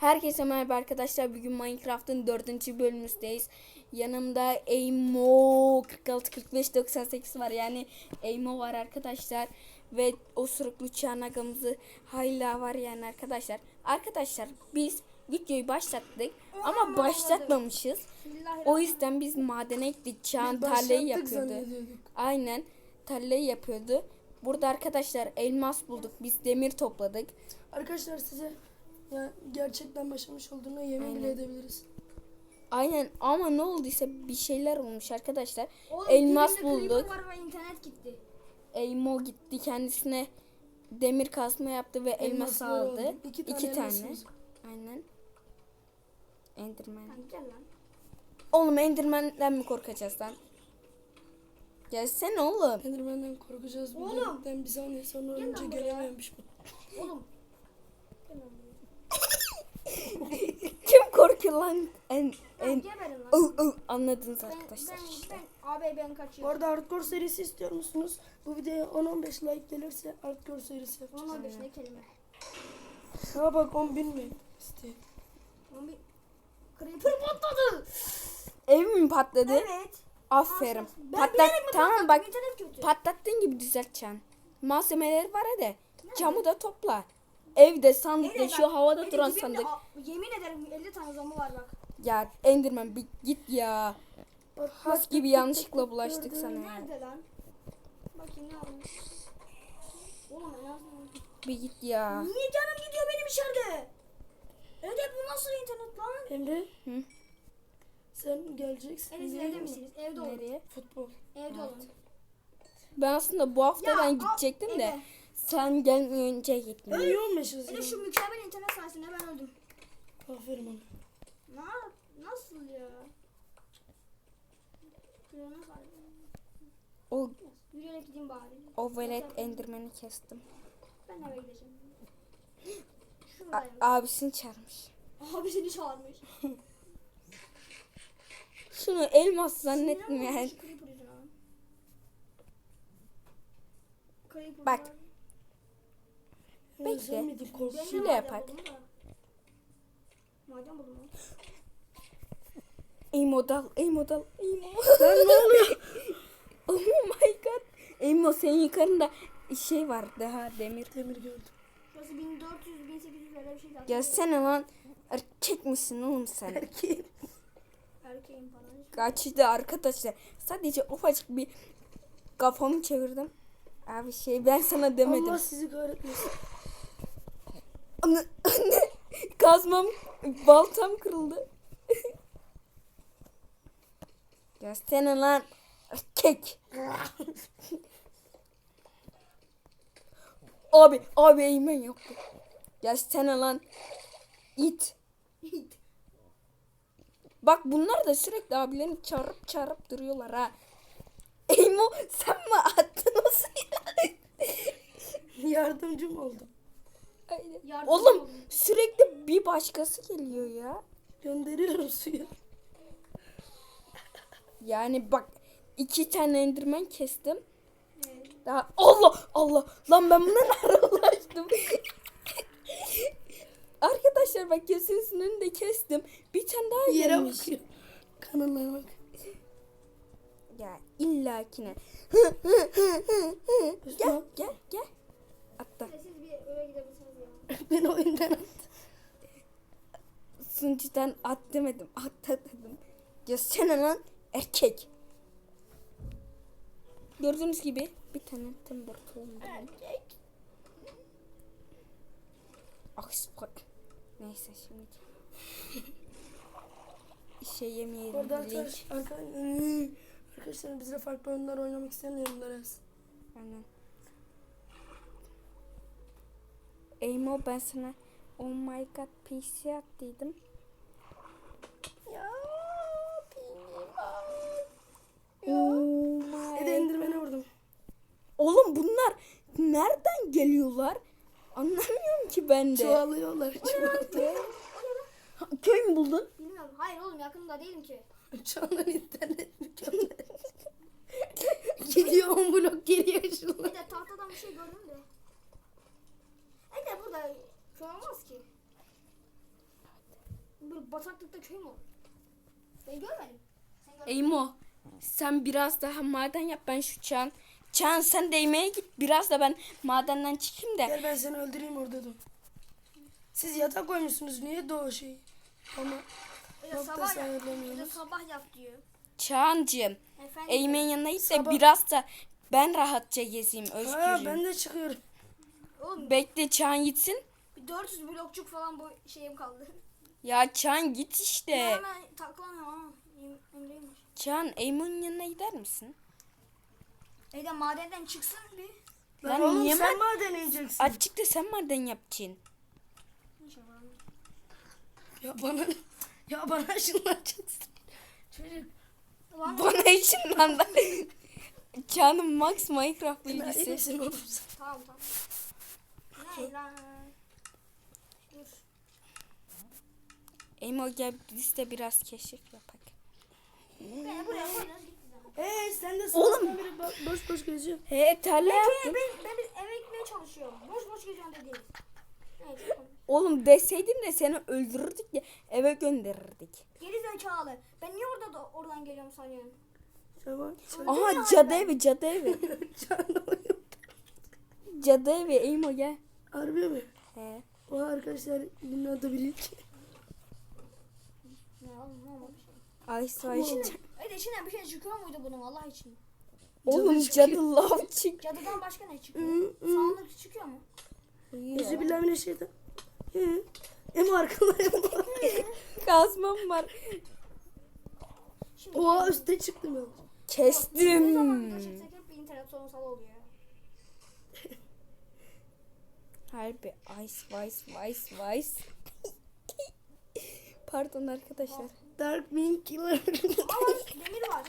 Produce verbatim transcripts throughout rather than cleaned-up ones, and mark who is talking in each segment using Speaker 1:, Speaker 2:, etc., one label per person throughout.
Speaker 1: Herkese merhaba arkadaşlar. Bugün Minecraft'ın dördüncü bölümümüzdeyiz. Yanımda Eymo kırk altı kırk beş doksan sekiz var. Yani Eymo var arkadaşlar. Ve osuruklu çanagamızı hala var yani arkadaşlar. Arkadaşlar biz videoyu başlattık ama başlatmamışız. O yüzden biz madene gittik. Çağan tarlayı yapıyordu. Aynen tarlayı yapıyordu. Burada arkadaşlar elmas bulduk. Biz demir topladık.
Speaker 2: Arkadaşlar size ya gerçekten başlamış olduğuna yemin
Speaker 1: Aynen.
Speaker 2: bile edebiliriz.
Speaker 1: Aynen ama ne olduysa bir şeyler olmuş arkadaşlar.
Speaker 3: Oğlum,
Speaker 1: elmas
Speaker 3: dibinde
Speaker 1: bulduk.
Speaker 3: creeper var ve internet gitti.
Speaker 1: Eymo gitti kendisine demir kasma yaptı ve elmas
Speaker 2: Elmaslar
Speaker 1: aldı.
Speaker 2: oldu. İki
Speaker 1: İki
Speaker 2: tane
Speaker 1: tane.
Speaker 2: elmasımız var.
Speaker 1: Aynen. Enderman.
Speaker 3: Lan gel lan.
Speaker 1: Oğlum Enderman'den mi korkacağız lan? Gelsene oğlum.
Speaker 2: Enderman'den korkacağız.
Speaker 3: Oğlum.
Speaker 2: Birden bir saniye sonra
Speaker 3: Gel
Speaker 2: önce
Speaker 3: lan buraya.
Speaker 2: gelememiş bu.
Speaker 3: Oğlum. Gel lan buraya.
Speaker 1: Kim korkuyor lan? En
Speaker 3: Lan
Speaker 1: en
Speaker 3: geberin lan.
Speaker 1: oh, oh. Anladınız
Speaker 3: Ben,
Speaker 1: arkadaşlar
Speaker 3: ben,
Speaker 1: işte.
Speaker 3: ben, abi ben
Speaker 2: Bu
Speaker 3: kaçıyorum.
Speaker 2: arada hardcore serisi istiyor musunuz? Bu videoya on on beş like gelirse hardcore serisi yapacağız.
Speaker 3: on beş ne kelime.
Speaker 2: Ha bak on bin mi? İşte.
Speaker 3: on bir Creeper patladı.
Speaker 1: Ev mi patladı?
Speaker 3: Evet.
Speaker 1: Aferin.
Speaker 3: Ben
Speaker 1: Patlat.
Speaker 3: bilerek mi
Speaker 1: Tamam
Speaker 3: patlattım?
Speaker 1: bak.
Speaker 3: İnternet kötü.
Speaker 1: Patlattığın gibi düzelteceksin. Malzemeleri var hadi. Camı da topla. Evde sandık
Speaker 3: Evet,
Speaker 1: şu
Speaker 3: bak,
Speaker 1: havada
Speaker 3: benim
Speaker 1: duran
Speaker 3: dibimde
Speaker 1: sandık.
Speaker 3: a- Yemin ederim elli tane zombi var bak.
Speaker 1: Ya Enderman bir git ya.
Speaker 2: Bak,
Speaker 1: Has
Speaker 2: bak,
Speaker 1: gibi
Speaker 2: bak,
Speaker 1: yanlışlıkla
Speaker 2: bak,
Speaker 1: bulaştık
Speaker 2: gördün
Speaker 1: sana
Speaker 2: mü?
Speaker 1: ya.
Speaker 3: Nerede lan? Bakayım ne olmuş. Oğlum en azından.
Speaker 1: Bir git ya.
Speaker 3: Niye canım gidiyor benim içeride? Evet bu nasıl internet lan?
Speaker 2: Emre.
Speaker 1: Hı?
Speaker 2: Sen geleceksin.
Speaker 3: Enes
Speaker 2: değil
Speaker 3: evde
Speaker 2: mi?
Speaker 3: misiniz? Evde olun.
Speaker 1: Nereye?
Speaker 2: Futbol.
Speaker 3: Evde olun.
Speaker 1: Ben aslında bu hafta
Speaker 3: Ya,
Speaker 1: ben
Speaker 3: al,
Speaker 1: gidecektim de
Speaker 3: eve.
Speaker 1: sen gelmeden önce gittim.
Speaker 2: Ölüyormuşuz
Speaker 3: Bir
Speaker 2: ya.
Speaker 3: de şu mükemmel internet sayesinde ben öldüm.
Speaker 2: Aferin ona.
Speaker 3: Na, nasıl ya? Şuraya nasıl alayım?
Speaker 1: O
Speaker 3: Yürüyerek gideyim bari.
Speaker 1: o velet Enderman'i kestim.
Speaker 3: Ben eve gideceğim.
Speaker 1: A-
Speaker 3: Şuradayım.
Speaker 1: abisini çağırmış.
Speaker 3: Abi seni çağırmış.
Speaker 1: Şunu elmas zannetmeyen.
Speaker 3: Sinirlenmiş Creeper yüzünden. Creeper
Speaker 1: Bak.
Speaker 3: var.
Speaker 2: Ya
Speaker 1: Bekle.
Speaker 2: sen miydin korksun?
Speaker 3: Ben de
Speaker 1: Şöyle
Speaker 3: maden
Speaker 1: yapak.
Speaker 3: buldum da. Maden buldum lan.
Speaker 1: Emo dal, Emo dal, Emo.
Speaker 2: Lan ne oluyor?
Speaker 1: Oh my god. Emo senin yukarında şey var daha demir.
Speaker 2: Demir gördüm.
Speaker 3: Şurası bin dört yüz bin sekiz yüz öyle bir şey zaten.
Speaker 1: Gelsene lan. Erkek misin oğlum sen?
Speaker 2: Erkeğim.
Speaker 3: Erkeğim falan.
Speaker 1: Kaçtı arkadaşlar. Sadece ufacık bir kafamı çevirdim. Abi şey ben sana demedim.
Speaker 2: Allah sizi kahretmesin.
Speaker 1: Anne, anne. Kazmam, baltam kırıldı. Gelsene lan. Erkek. Abi, abi eğmen yoktu. Gelsene lan. İt. Bak bunlar da sürekli abilerini çağırıp çağırıp duruyorlar ha. Eymo sen mi attın o suyu?
Speaker 2: Yardımcım oldum.
Speaker 1: Aynen.
Speaker 3: Yardım
Speaker 1: Oğlum
Speaker 3: olun.
Speaker 1: sürekli bir başkası geliyor ya.
Speaker 2: Gönderiyorum suyu.
Speaker 1: Yani bak iki tane enderman kestim.
Speaker 3: Evet.
Speaker 1: Daha Allah Allah lan ben buna nereye ulaştım? Arkadaşlar bak gözünüzün önünde kestim. Bir tane daha
Speaker 2: Yere
Speaker 1: gelmiş.
Speaker 2: bakıyor. Kanallara bak.
Speaker 1: Ya illakine. gel gel gel. Hatta
Speaker 3: Siz bir eve gidebilirsiniz ya.
Speaker 2: Beni oyundan at.
Speaker 1: sunucudan at demedim. At dedim. Gelsene lan erkek. Gördüğünüz gibi bir tane timber tohum.
Speaker 3: Erkek.
Speaker 1: Oxford. Neyse şimdi. şey yemeyelim.
Speaker 2: Orada
Speaker 1: Link.
Speaker 2: arkadaş, arkadaşlar, arkadaşlar bizle farklı oyunlar oynamak isteyen yorumlara yazsın.
Speaker 1: Aynen. Eymo ben sana oh my god P C at dedim.
Speaker 2: Ya
Speaker 1: Oh my
Speaker 2: Hadi Enderman'e vurdum.
Speaker 1: Oğlum bunlar nereden geliyorlar? Anlamıyorum ki ben de.
Speaker 2: Çoğalıyorlar. Çoğalıyorlar.
Speaker 1: Ha, köy mü buldun?
Speaker 3: Bilmiyorum. Hayır oğlum yakında değilim ki.
Speaker 2: Çağlan internet mükemmel. Gidiyor on blok geriye
Speaker 3: Bir
Speaker 2: şunlar.
Speaker 3: de tahtadan bir şey gördüm de. E de burada şu olmaz ki. Oğlum bataklıkta köy mü olur? Ben görmedim. Sen gördün mü?
Speaker 1: Eymo sen biraz daha maden yap, ben şu Çağan. Çağan sen değmeye git, biraz da ben madenden çıkayım da.
Speaker 2: Gel ben seni öldüreyim orada dur. Siz yatak koymuşsunuz. Niye doğu şey? Ama
Speaker 3: Öyle
Speaker 2: Nokta
Speaker 3: sabah yap. Öyle
Speaker 2: sayılamıyoruz.
Speaker 3: sabah yap diyor.
Speaker 1: Çağancığım
Speaker 3: Efendim.
Speaker 1: Eymen'in yanına git de
Speaker 2: Sabah-
Speaker 1: biraz da ben rahatça gezeyim,
Speaker 2: ha,
Speaker 1: özgürüm.
Speaker 2: ben de çıkıyorum.
Speaker 3: Oğlum
Speaker 1: Bekle Çağan gitsin.
Speaker 3: bir dört yüz blokçuk falan bu şeyim kaldı.
Speaker 1: Ya Çağan git işte.
Speaker 3: Hemen taklanıyorum ama Em- Emre'ymiş.
Speaker 1: Çağan Eymen'in yanına gider misin?
Speaker 3: Evden madenden çıksın bir.
Speaker 2: Lan
Speaker 1: Lan
Speaker 2: oğlum
Speaker 1: niye
Speaker 2: sen
Speaker 1: ben-
Speaker 2: maden ineceksin.
Speaker 1: Açık da sen maden yapacaksın.
Speaker 3: İnşallah.
Speaker 2: Ya bana ya bana ışınlanacaksın. Çocuk.
Speaker 3: Ulan
Speaker 1: Bana içinden de. Çağan'ın Max Minecraft
Speaker 2: Enayi
Speaker 1: bilgisi.
Speaker 2: misin oğlum sen?
Speaker 3: tamam tamam. Ne lan? Dur.
Speaker 1: Eymo gel biz de biraz keşif yapak.
Speaker 3: Beni buraya koydunuz gitti zaten.
Speaker 2: Ee sen de
Speaker 1: Oğlum.
Speaker 2: sabahtan beri bo- boş boş geziyorsun.
Speaker 1: He tarla
Speaker 3: Ben,
Speaker 1: yaptım.
Speaker 3: ben, ben bir eve gitmeye çalışıyorum. Boş boş geziyorum dediniz. Evet.
Speaker 1: Oğlum deseydin de seni öldürürdük ya, eve gönderirdik.
Speaker 3: Geri zekalı. Ben niye orada da oradan geliyorum sanıyorum?
Speaker 2: Sabah. Sen
Speaker 1: Aha cadı evi, cadı evi.
Speaker 2: canlı
Speaker 1: Cadı evi Eymo gel.
Speaker 2: Harbi mi?
Speaker 1: He.
Speaker 2: O arkadaşlar bunun adı bilinç.
Speaker 3: Ne oğlum ne olmamış?
Speaker 1: Ay say.
Speaker 3: Evet içinden bir şey çıkıyor muydu bunun Allah için?
Speaker 1: Oğlum
Speaker 2: Cadı
Speaker 1: cadı lav çık.
Speaker 3: Cadıdan başka ne çıkıyor? Sağlık çıkıyor mu?
Speaker 2: Yüzü bilemine şeyden. Hı. Em arkalarım.
Speaker 1: Kazmam var.
Speaker 3: Şimdi
Speaker 2: Oha üstte çıktım ben.
Speaker 3: ne zaman
Speaker 1: Kestim.
Speaker 3: video çeksek hep bir internet sorunsalı oluyor.
Speaker 1: Harbi ice vice vice vice. Pardon arkadaşlar.
Speaker 2: Dark Wing Killer.
Speaker 3: Ama demir var.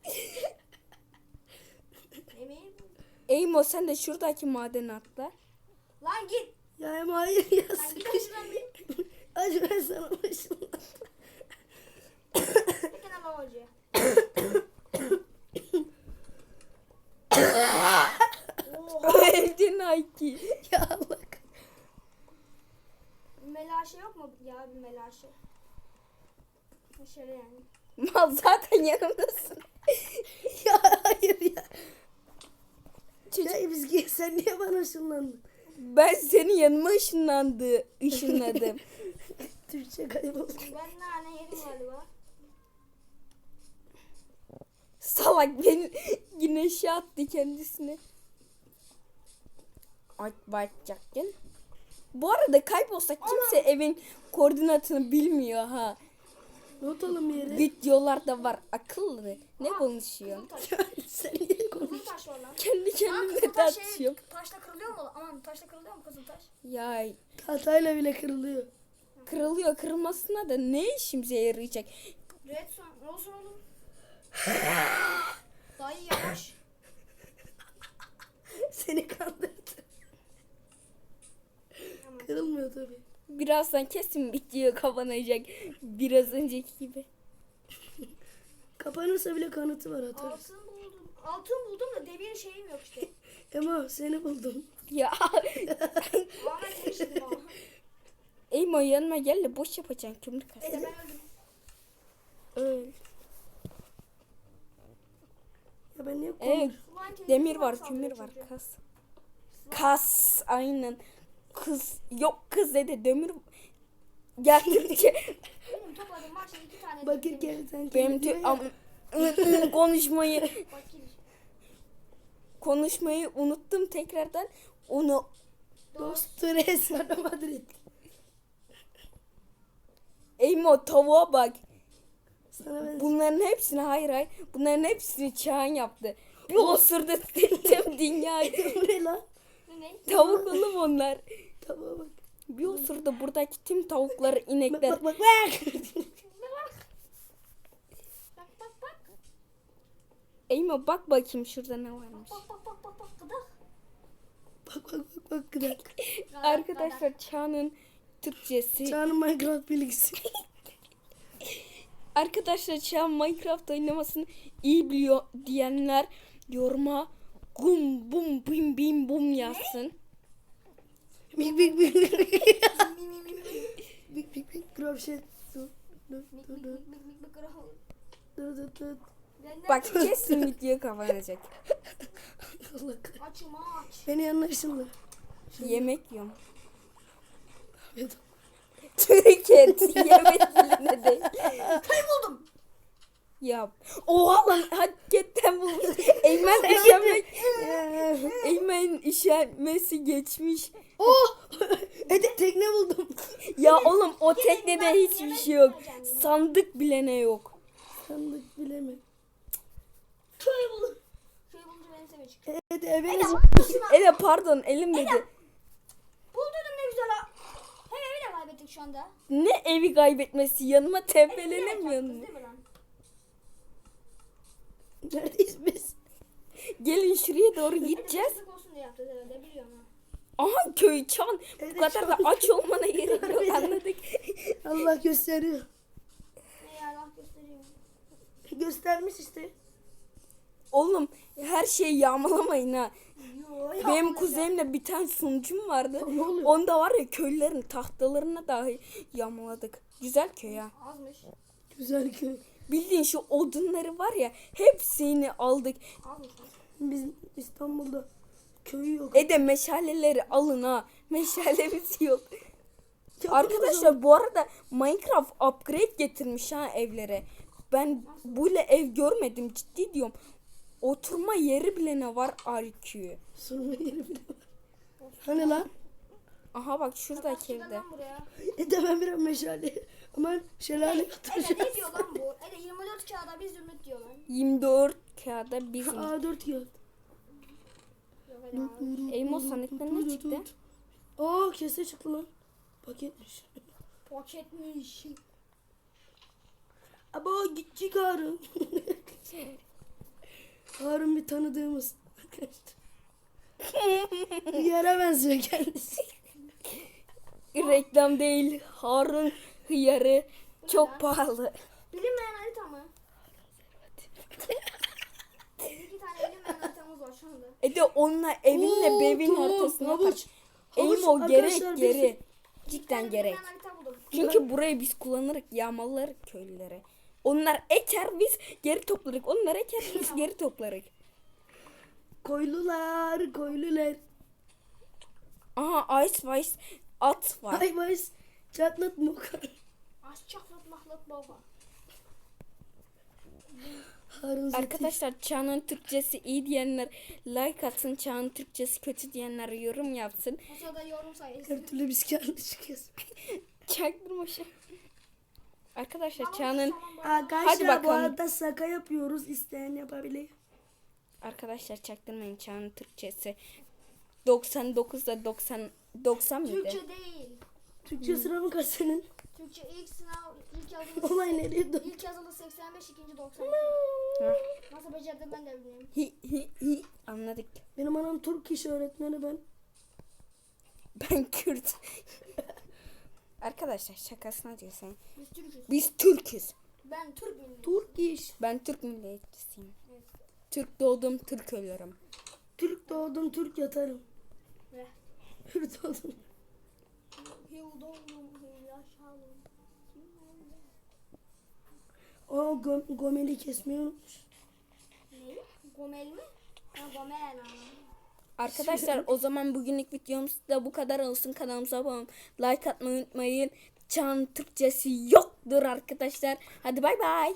Speaker 3: Demir.
Speaker 1: Eymo sen de şuradaki madene atla.
Speaker 3: Lan git.
Speaker 2: Ya em hayır ya.
Speaker 3: Lan git şuradan bir.
Speaker 2: Acı ben sana başım.
Speaker 3: Peki ne babacı?
Speaker 1: Öldün Ayki.
Speaker 2: Ya Allah.
Speaker 3: Melaşe yok mu ya bir melaşe? Şöyle yani.
Speaker 1: Mal zaten yanımdasın.
Speaker 2: Ya hayır ya.
Speaker 1: Çocuk,
Speaker 2: Ya biz sen niye bana ışınlandın?
Speaker 1: ben senin yanıma ışınlandı, ışınladım.
Speaker 2: Türkçe kayboldu.
Speaker 3: Ben nane yedim galiba.
Speaker 1: Salak beni güneşe attı kendisini. Ay bakacaktın. Bu arada kaybolsak kimse evin koordinatını bilmiyor ha.
Speaker 2: Not alın bir yere.
Speaker 1: Videolarda var akıllı. Ne konuşuyorsun?
Speaker 3: Kızıl taş.
Speaker 2: Sen niye konuş?
Speaker 3: Kızıl taş var lan.
Speaker 1: Kendi
Speaker 3: Lan
Speaker 1: kendime
Speaker 3: kızıl taş şey,
Speaker 1: tartışıyorum.
Speaker 3: taşla kırılıyor mu? Aman taşla kırılıyor mu kızıl taş?
Speaker 1: Ya
Speaker 2: Hatayla bile kırılıyor.
Speaker 1: kırılıyor, kırılmasına da ne işimize yarayacak?
Speaker 3: Redstone ne olsun oğlum? Dayı yavaş.
Speaker 2: Seni kandırdı. Kırılmıyor tabii.
Speaker 1: Birazdan kesin video kapanacak. Biraz önceki gibi.
Speaker 2: Kapanırsa bile kanıtı var atarız.
Speaker 3: Altın buldum. Altın buldum da demir şeyim yok işte.
Speaker 2: Ema seni buldum.
Speaker 1: Ya
Speaker 3: Ahmet geçtim ama.
Speaker 1: Eymo yanıma gel de boş yapacaksın kömür kas.
Speaker 3: Neyse ben öldüm.
Speaker 1: Öl.
Speaker 2: Ya ben niye
Speaker 1: Evet.
Speaker 2: konuş?
Speaker 3: Ulan kendisi
Speaker 1: Demir
Speaker 3: bana
Speaker 1: var,
Speaker 3: saldırıyor
Speaker 1: kömür var,
Speaker 3: çünkü.
Speaker 1: kas. Kas aynen. Kız yok kız dedi demir geldikçe
Speaker 3: Benim topladım var şimdi iki tane.
Speaker 2: Bakır
Speaker 3: demir.
Speaker 2: kerten
Speaker 1: benim tü- am- konuşmayı
Speaker 3: Bakır.
Speaker 1: konuşmayı unuttum tekrardan. Onu
Speaker 2: Dostu Real Madrid.
Speaker 1: Eymo tavuğa bak.
Speaker 2: Sana ben
Speaker 1: Bunların hepsini hayır hayır. Bunların hepsini Çağan yaptı. Bir osurdu tüm dünyayı.
Speaker 2: bu ne lan?
Speaker 3: Bu ne?
Speaker 1: Tavuk oğlum onlar.
Speaker 2: Tamam bak.
Speaker 1: Bir osurdu buradaki tüm tavukları,
Speaker 2: Bak
Speaker 1: inekler.
Speaker 2: bak bak bak.
Speaker 3: Bak bak bak.
Speaker 1: Eymo bak bakayım şurada ne varmış.
Speaker 3: Bak bak bak bak bak gıdak.
Speaker 2: Bak bak bak bak gıdak.
Speaker 1: Arkadaşlar Çağan'ın Türkçesi.
Speaker 2: Çağan'ın Minecraft bilgisi.
Speaker 1: Arkadaşlar Çağan Minecraft oynamasını iyi biliyor diyenler yoruma gum bum bim bim bum yazsın.
Speaker 2: Big big big. Big big big. Grab shit. Dıt
Speaker 3: Mik
Speaker 2: dıt
Speaker 3: mik
Speaker 2: dıt
Speaker 3: mik mik mik kral.
Speaker 2: dıt dıt dıt.
Speaker 3: Benden
Speaker 1: Bak kesin video kapanacak.
Speaker 2: Allah kahretsin.
Speaker 3: açım aç.
Speaker 2: Beni yanına ışınla.
Speaker 1: Yemek yiyorum.
Speaker 2: Evet.
Speaker 1: Türkiye yemek diline değil.
Speaker 3: Köy buldum.
Speaker 1: Yap. Oha lan hakikaten bulmuş. Eymen işenmek. Eymen işenmesi geçmiş.
Speaker 2: Oh! Ede tekne buldum.
Speaker 1: Ya oğlum o teknede
Speaker 3: ben
Speaker 1: hiçbir
Speaker 3: yemek
Speaker 1: şey yok.
Speaker 3: yiyeceğim.
Speaker 1: Sandık bile ne yok.
Speaker 2: Sandık bile mi?
Speaker 3: Köy buldum. Köy bulunca beni sevecek.
Speaker 2: Ede eve
Speaker 3: Ede
Speaker 2: nasıl?
Speaker 3: başına.
Speaker 1: Ele pardon elim dedi.
Speaker 3: Buldum ne güzel ha. Hem evi de kaybettik şu anda.
Speaker 1: Ne evi kaybetmesi yanıma tembelenemiyor
Speaker 3: Kız
Speaker 1: mu?
Speaker 3: değil mi lan?
Speaker 2: Neredeyiz biz?
Speaker 1: Gelin şuraya doğru gideceğiz.
Speaker 3: Kızlık olsun diye yaptı herhalde biliyorum ha.
Speaker 1: Aha köy çan. Bu
Speaker 2: Evet,
Speaker 1: kadar da
Speaker 2: çan.
Speaker 1: aç olmana gerek yok anladık.
Speaker 2: Allah gösteriyor.
Speaker 3: Ne ya Allah gösteriyor.
Speaker 2: Göstermiş işte.
Speaker 1: Oğlum her şeyi yağmalamayın ha.
Speaker 3: Yo,
Speaker 1: Benim kuzenimle bir tane sunucum vardı.
Speaker 2: Ne oluyor?
Speaker 1: Onda var ya köylülerin tahtalarına dahi yağmaladık. Güzel köy ha.
Speaker 3: Azmış.
Speaker 2: Güzel köy.
Speaker 1: Bildiğin şu odunları var ya hepsini aldık.
Speaker 3: Azmış.
Speaker 2: Biz İstanbul'da köyü yok.
Speaker 1: E de meşaleleri alın ha. Meşalemiz yok.
Speaker 2: Yaparız
Speaker 1: Arkadaşlar bu arada Minecraft upgrade getirmiş ha evlere. Ben böyle ev görmedim ciddi diyorum. Oturma yeri bile ne var R Q.
Speaker 2: Sorma yeri bile var. Hani lan?
Speaker 1: Aha bak şuradaki
Speaker 3: Çıkar
Speaker 1: evde.
Speaker 3: lan buraya.
Speaker 2: Ede ben biraz meşale. Aman şelale
Speaker 3: Ede
Speaker 2: yatıracağız.
Speaker 3: ne diyor lan bu? Ede yirmi dört kağıda bir zümrüt diyor lan.
Speaker 1: yirmi dört kağıda bizim.
Speaker 2: A dört kağıt.
Speaker 3: Yok Ede abi.
Speaker 1: Eymo sandıktan ne çıktı?
Speaker 2: Aa kese çıktı lan. Paketmiş.
Speaker 3: Paketmiş.
Speaker 2: Aba gittik Harun. Harun bir tanıdığımız. Yara benziyor kendisi.
Speaker 1: Reklam değil. Harun hıyarı çok pahalı.
Speaker 3: Bilinmeyen harita mı? İki tane bilinmeyen haritamız var şu anda.
Speaker 1: E de onunla evinle
Speaker 2: Oo,
Speaker 1: bevin
Speaker 2: tamam,
Speaker 1: ortasına
Speaker 2: havuç.
Speaker 1: tak.
Speaker 2: Havuç
Speaker 1: Eymo
Speaker 2: arkadaşlar,
Speaker 1: gerek
Speaker 2: bir
Speaker 1: geri.
Speaker 2: sürü-
Speaker 3: Bir
Speaker 1: Cidden
Speaker 3: tane
Speaker 1: gerek.
Speaker 3: bilinmeyen harita buldum.
Speaker 1: Çünkü burayı biz kullanırız, yağmalarız köylülere. Onlar eker biz geri toplarız. Onlar eker biz geri toplarız.
Speaker 2: Koylular, koylular.
Speaker 1: Aha Ice Vice at var.
Speaker 2: Ay baş. Çatlat moka.
Speaker 3: Az çaklat mahlat baba.
Speaker 2: Harun Zeki.
Speaker 1: Arkadaşlar Çağ'ın Türkçesi iyi diyenler like atsın. Çağ'ın Türkçesi kötü diyenler yorum yapsın.
Speaker 3: O sırada yorum sayısı.
Speaker 2: Her türlü biz karlı çıkıyoruz.
Speaker 1: Çaktırma şu. Arkadaşlar
Speaker 3: Tamam,
Speaker 1: Çağ'ın
Speaker 3: tamam, baba.
Speaker 2: Arkadaşlar
Speaker 1: Hadi
Speaker 2: bu
Speaker 1: bakalım.
Speaker 2: arada şaka yapıyoruz. İsteyen yapabilir.
Speaker 1: Arkadaşlar çaktırmayın Çağ'ın Türkçesi doksan dokuzda doksan doksan mıydı?
Speaker 3: Türkçe değil.
Speaker 2: Türkçe sınavı kaç senin?
Speaker 3: Türkçe ilk sınav ilk yazılı
Speaker 2: Olay nereye dön?
Speaker 3: ilk yazılı seksen beş, ikinci doksan.
Speaker 1: Hah.
Speaker 3: Nasıl becerdim ben de bilmiyorum.
Speaker 1: Hi hi hi anladık.
Speaker 2: Benim anam Türk iş öğretmeni ben.
Speaker 1: Ben Kürt. Arkadaşlar şakasına diyorsun.
Speaker 3: Biz Türk'üz.
Speaker 1: Biz Türk'üz.
Speaker 3: Ben Türk bilmiyorum.
Speaker 2: Türk iş.
Speaker 1: Ben Türk milliyetçisiyim.
Speaker 3: Evet.
Speaker 1: Türk doğdum, Türk ölürüm.
Speaker 2: Türk doğdum, Türk yatarım.
Speaker 3: Ve
Speaker 2: Türk doğdum.
Speaker 3: yıl doğdum, yıl yaşalım.
Speaker 2: O gom gomeli kesmeyi unutmuş.
Speaker 3: Ne? Gomel mi? Ha Gomel ha.
Speaker 1: Arkadaşlar o zaman bugünlük videomuz da bu kadar olsun. Kanalımıza abone olun. Like atmayı unutmayın. Çağın Türkçesi yoktur arkadaşlar. Hadi bay bay.